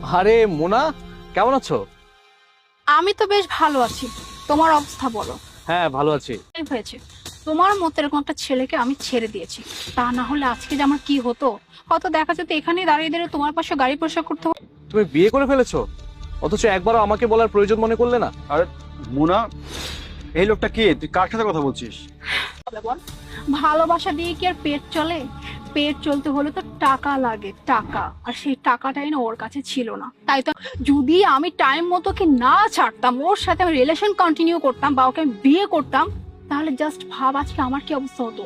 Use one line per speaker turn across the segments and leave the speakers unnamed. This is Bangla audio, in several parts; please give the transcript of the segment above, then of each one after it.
আরে মোনা, কেমন আছো?
আমি তো বেশ ভালো আছি, তোমার অবস্থা বলো।
হ্যাঁ, ভালো আছি।
এই হয়েছে, তোমার মতো এরকম একটা ছেলেকে আমি ছেড়ে দিয়েছি, তা না হলে আজকে যে আমার কি হতো। কত দেখা যেত এখানেই দাঁড়িয়ে দাঁড়িয়ে তোমার পাশে গাড়ি পরিষ্কার করতে হতো।
তুমি বিয়ে করে ফেলেছো, অথচ একবারও আমাকে বলার প্রয়োজন মনে করলে না।
আরে মুনা, এই লোকটা কে? তুই কার সাথে কথা বলছিস?
বল, ভালোবাসা দিয়ে কি আর পেট চলে? পেট চলতে হলে তো টাকা লাগে, টাকা। আর সেই টাকাটাই না ওর কাছে ছিল না। তাই তো যদি আমি টাইম মতো কি না ছাড়তাম, ওর সাথে আমি রিলেশন কন্টিনিউ করতাম বা ওকে আমি বিয়ে করতাম, তাহলে জাস্ট ভাব আজকে আমার কি অবস্থা হতো।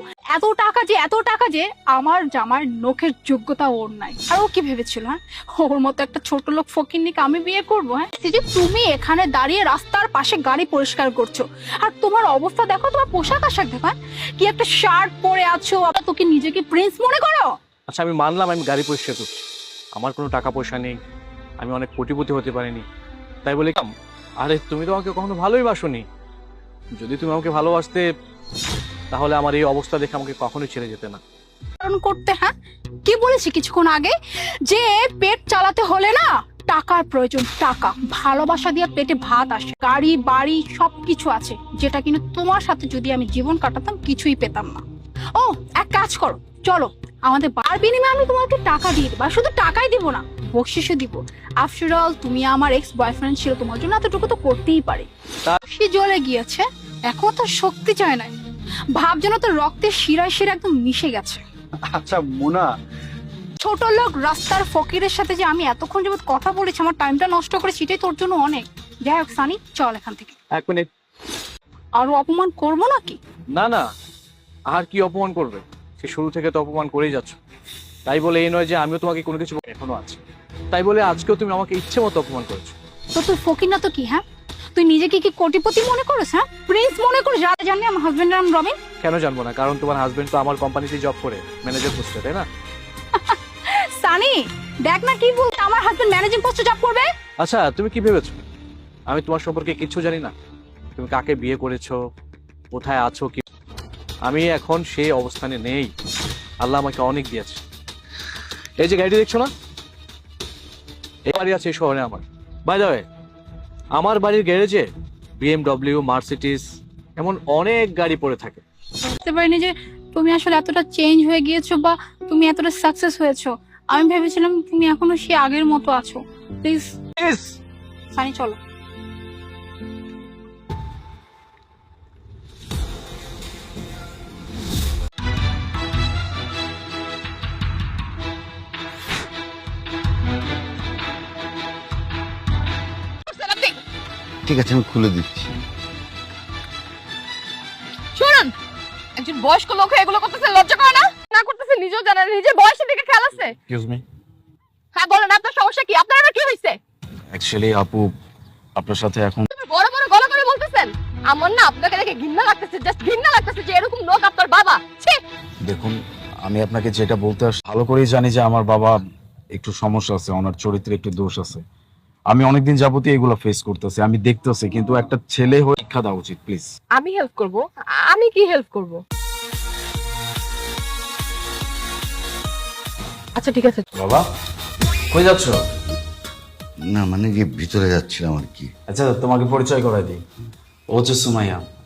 এত টাকা যে আমার জামার নখের যোগ্যতা ওর নাই। আর ও কি ভেবেছিল, হ্যাঁ ওর মতো একটা ছোট লোক ফকিন্নিকে আমি বিয়ে করবো? হ্যাঁ, এই যে তুমি এখানে দাঁড়িয়ে রাস্তার পাশে গাড়ি পরিষ্কার করছো, আর তোমার অবস্থা দেখো, তোমার পোশাক আশাক দেখো, হ্যাঁ? কি একটা শার্ট পরে আছো, আবার তোকে নিজেকে প্রিন্স মনে করো?
আচ্ছা, আমি মানলাম আমি গাড়ি পরিষ্কার করছি, আমার কোনো টাকা পয়সা নেই, আমি অনেক কোটিপতি হতে পারিনি, তাই বলে কাম। আরে তুমি তো আমাকে কখনো ভালোই বাসোনি। যদি তুমি আমাকে ভালোবাসতে, তাহলে আমার এই অবস্থা দেখে আমাকে কখনোই ছেড়ে যেতে না।
কারণ করতে, হ্যাঁ কি বলেছি কিছুক্ষণ আগে, যে পেট চালাতে হলে না টাকার প্রয়োজন, টাকা। ভালোবাসা দিয়ে পেটে ভাত আসে, গাড়ি বাড়ি সবকিছু আছে, যেটা কিন্তু তোমার সাথে যদি আমি জীবন কাটাতাম কিছুই পেতাম না। ও এক কাজ করো, চলো আমাদের বার বিনিময়ে আমি তোমাকে টাকা দিয়ে দেবো। আর শুধু টাকাই দিব না, বকশিসও দিব। আফটার অল তুমি আমার এক্স বয়ফ্রেন্ড ছিল, তোমার জন্য এতটুকু তো করতেই পারে। সে জ্বলে গিয়েছে, এখন তো শক্তি চায় না, ভাব যেন তো রক্তের শিরায় শিরা একদম মিশে গেছে।
আচ্ছা মুনা,
ছোট লোক রাস্তার ফকিরের সাথে যে আমি এতক্ষণ যাবত কথা বলেছি, আমার টাইমটা নষ্ট করে, সেটাই তোর জন্য অনেক। যাই হোক সানি, চল এখান থেকে।
1 মিনিট।
আরো অপমান করবো নাকি?
না না, আর কি অপমান করবে? সে শুরু থেকে তো অপমান করেই যাচ্ছ। তাই বলে এই নয় যে আমিও তোমাকে কোনো কিছু এখনো আছে, তাই বলে আজকেও তুমি আমাকে ইচ্ছে মতো অপমান করেছো।
তো তুই ফকির না তো কি? হ্যাঁ, তুই নিজেকে কি কোটিপতি মনে করিস? হ্যাঁ, প্রিন্স মনে করিস? যারা জানি আমার হাজবেন্ডের নাম রবিন।
কেন জানবো না? কারণ তোমার হাজবেন্ড তো আমার কোম্পানিতে জব করে, ম্যানেজার পোস্টে, তাই না?
সানি দেখ না কি বলতে, আমার হাজবেন্ড ম্যানেজিং পোস্টে জব করবে।
আচ্ছা, তুমি কি ভেবেছো আমি তোমার সম্পর্কে কিচ্ছু জানি না? তুমি কাকে বিয়ে করেছো, কোথায় আছো, কি? আমি এখন সেই অবস্থানে নেই। আল্লাহ আমাকে অনেক দিয়েছে। এই যে গাড়িটি দেখছো না, এই বাড়ি আছে এই শহরে আমার। বাই দ্য ওয়ে, আমার বাড়ির গ্যারেজে BMW, মার্সিডিজ এমন অনেক গাড়ি পড়ে থাকে।
বুঝতে পারিনি যে তুমি আসলে এতটা চেঞ্জ হয়ে গিয়েছো, বা তুমি এতটা সাকসেস হয়েছো। আমি ভেবেছিলাম তুমি এখনো সে আগের মতো আছো। প্লিজ সানি চলো।
ঠিক আছে, আমি খুলে দিচ্ছি।
শুনুন, একজন বয়স্ক লোক হয়ে এগুলো করতেছে, লজ্জা করে না? না করতেছে নিজেও জানেন, নিজের বয়সের দিকে খেয়াল আছে?
Excuse me.
হ্যাঁ বলেন, আপনার সমস্যা কি? আপনার আবার কি হয়েছে?
অ্যাকচুয়ালি আপু, আপনার সাথে এখন
তুমি বড় বড় গলা করে বলতেছেন। আমার না আপনাকে দেখে ঘৃণা লাগতেছে, জাস্ট ঘৃণা লাগতেছে যে এরকম লোক আপনার বাবা। ছি!
দেখুন, আমি আপনাকে যেটা বলতে ভালো করেই জানি যে আমার বাবা একটু সমস্যা আছে, ওনার চরিত্রে একটু দোষ আছে। আমি অনেকদিন যাবতীয় এগুলো ফেস করতেছি, আমি দেখতেছি, কিন্তু একটা ছেলে হয়ে শিক্ষা দেওয়া উচিত প্লিজ।
আমি হেল্প করব? আমি কি হেল্প করব? আচ্ছা ঠিক আছে।
বাবা, কই যাচ্ছ?
না মানে যে ভিতরে যাচ্ছিলাম আর কি।
আচ্ছা, তোমাকে পরিচয় করাই দিই। ও হচ্ছে সুমাইয়া,